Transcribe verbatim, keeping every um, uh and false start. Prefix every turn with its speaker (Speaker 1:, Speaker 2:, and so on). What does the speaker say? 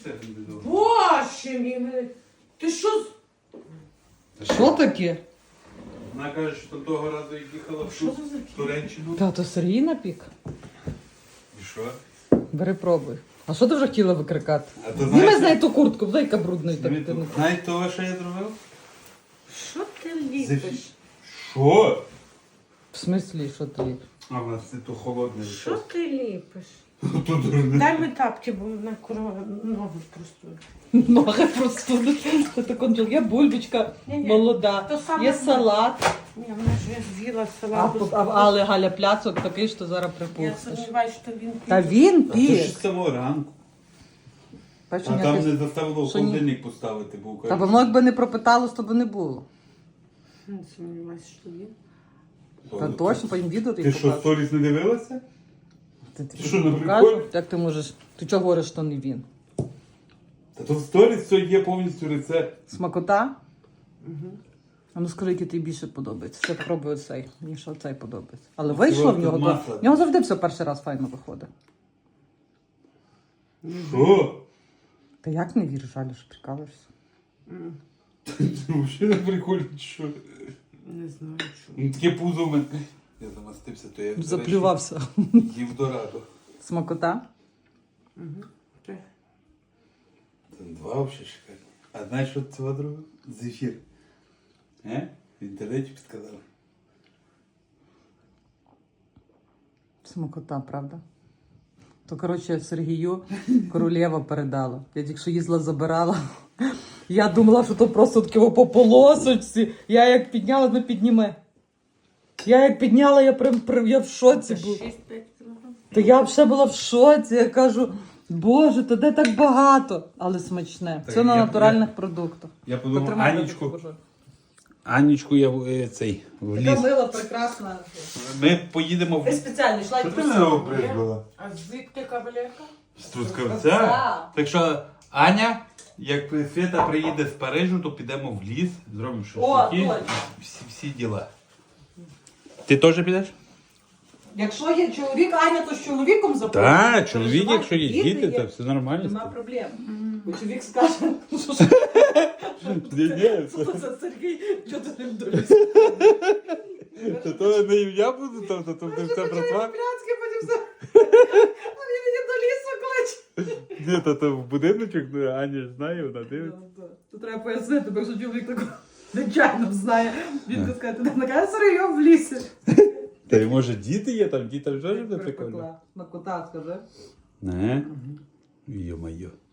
Speaker 1: Боже мій, ти що?
Speaker 2: Що таке?
Speaker 3: Вона каже, що того разу як їхала в Шу- в Туреччину.
Speaker 2: Та то Сергій напік.
Speaker 3: І що?
Speaker 2: Бери пробуй. А що ти вже хотіла викрикати?
Speaker 3: А то
Speaker 2: Зніми
Speaker 3: знаєте-
Speaker 2: з неї ту куртку, дай яка брудна. Так, ти не-
Speaker 3: Знаєте того, що я зробив?
Speaker 1: Що ти ліпиш?
Speaker 3: Що?
Speaker 2: В смислі, що ти ліпиш?
Speaker 3: А, у нас це то холодне.
Speaker 1: Що ти ліпиш?
Speaker 3: То дурне.
Speaker 1: Дай ми тапки, бо на корова ноги просто.
Speaker 2: Ноги простуди. Це так контрол. Є бульбочка
Speaker 1: Ні-ні,
Speaker 2: молода,
Speaker 1: то саме
Speaker 2: є
Speaker 1: знаю.
Speaker 2: салат.
Speaker 1: Ні, вона ж я з'їла
Speaker 2: А,
Speaker 1: салату.
Speaker 2: а, але Галя пляцок такий, що зараз
Speaker 1: Я
Speaker 2: припухнеш.
Speaker 1: сумніваюся, що він
Speaker 2: Та він
Speaker 3: А то ж
Speaker 2: пік.
Speaker 3: з самого ранку.
Speaker 2: Бачиш,
Speaker 3: А там
Speaker 2: якось-
Speaker 3: не заставило в
Speaker 2: що ні?
Speaker 3: холодильник поставити, був.
Speaker 2: Та воно якби не пропиталось, то би не було.
Speaker 1: Не сумніваюся, що він.
Speaker 2: Та точно, потім відео
Speaker 3: Ти
Speaker 2: тобі
Speaker 3: що,
Speaker 2: покажу.
Speaker 3: сторіс не дивилася?
Speaker 2: Ти, ти
Speaker 3: Ти що, на
Speaker 2: покажу?
Speaker 3: приколі?
Speaker 2: Як ти можеш? Ти чого говориш, що не він?
Speaker 3: Та тут в сторіс все є повністю рецепт.
Speaker 2: Смакота? Угу. А ну скажи, який тобі більше подобається. Я попробую оцей. Мені що оцей подобається. Але вийшло в нього.
Speaker 3: тут
Speaker 2: То...
Speaker 3: масло.
Speaker 2: В нього завжди все перший раз файно виходить.
Speaker 3: Що?
Speaker 2: Та як не віриш, Галя, що прикалуєшся?
Speaker 3: Ти взагалі на приколі, чи що?
Speaker 1: Не знаю, що.
Speaker 3: Ну таке пузо в мене. Я замастився, то я
Speaker 2: Заплювався.
Speaker 3: їв дорадо.
Speaker 2: Смакота?
Speaker 1: Угу.
Speaker 3: Це два взагалі шикарні. А знаєш, що це друге? Зефір. Е? В інтернеті підказали.
Speaker 2: Смакота, правда? То, коротше, Сергію королева передала. Я тільки що їздила, забирала. Я думала, що то просто таке по полосочці. Я як підняла, не підніме. Я як підняла, я прям прям- я в шоці була.
Speaker 1: шість-п'ять кілограм.
Speaker 2: Та я взагалі була в шоці. Я кажу, боже, то де так багато? Але смачне.
Speaker 3: Так
Speaker 2: Це на
Speaker 3: я-
Speaker 2: натуральних
Speaker 3: я-
Speaker 2: продуктах.
Speaker 3: Я подумав,
Speaker 2: Потримай,
Speaker 3: Анічку,
Speaker 2: я покажу.
Speaker 3: Анічку я в- е, цей, в
Speaker 2: Така
Speaker 3: ліс.
Speaker 2: мила, прекрасна.
Speaker 3: Ми поїдемо
Speaker 2: Ти
Speaker 3: в...
Speaker 2: спеціально йшла і
Speaker 3: Що ти
Speaker 2: просила.
Speaker 3: мене обризбила?
Speaker 1: А звідки кавалерка?
Speaker 3: З
Speaker 2: Трускавця.
Speaker 3: Трускавця? Так що, Аня, як Свята приїде з Парижу, то підемо в ліс, зробимо
Speaker 2: О,
Speaker 3: шашлики,
Speaker 2: точно.
Speaker 3: всі, всі діла. Ти теж підеш?
Speaker 2: Якщо є чоловік, Аня, то з чоловіком запрошує.
Speaker 3: Так, чоловік,
Speaker 2: Переживай,
Speaker 3: якщо є діти, то все нормально.
Speaker 2: Нема проблем. Бо чоловік скаже, що ж
Speaker 3: Ні, ні,
Speaker 2: що це за Сергій, що ти ним долізь?
Speaker 3: то, то не я буду, то, то, то ти все працював.
Speaker 2: Пляцки, потім все. А він мені до лісу кличе.
Speaker 3: Ні, то, то в будиночок, ну, Аня ж знає, вона дивиться.
Speaker 2: Тут треба пояснити, бо якщо чоловік такого нечайно знає, він буде сказати, ти накаже Сергій в лісі.
Speaker 3: Та й може діти є там, діти вже ж не прикольно.
Speaker 2: На кота скажи.
Speaker 3: Не? Йо-моє.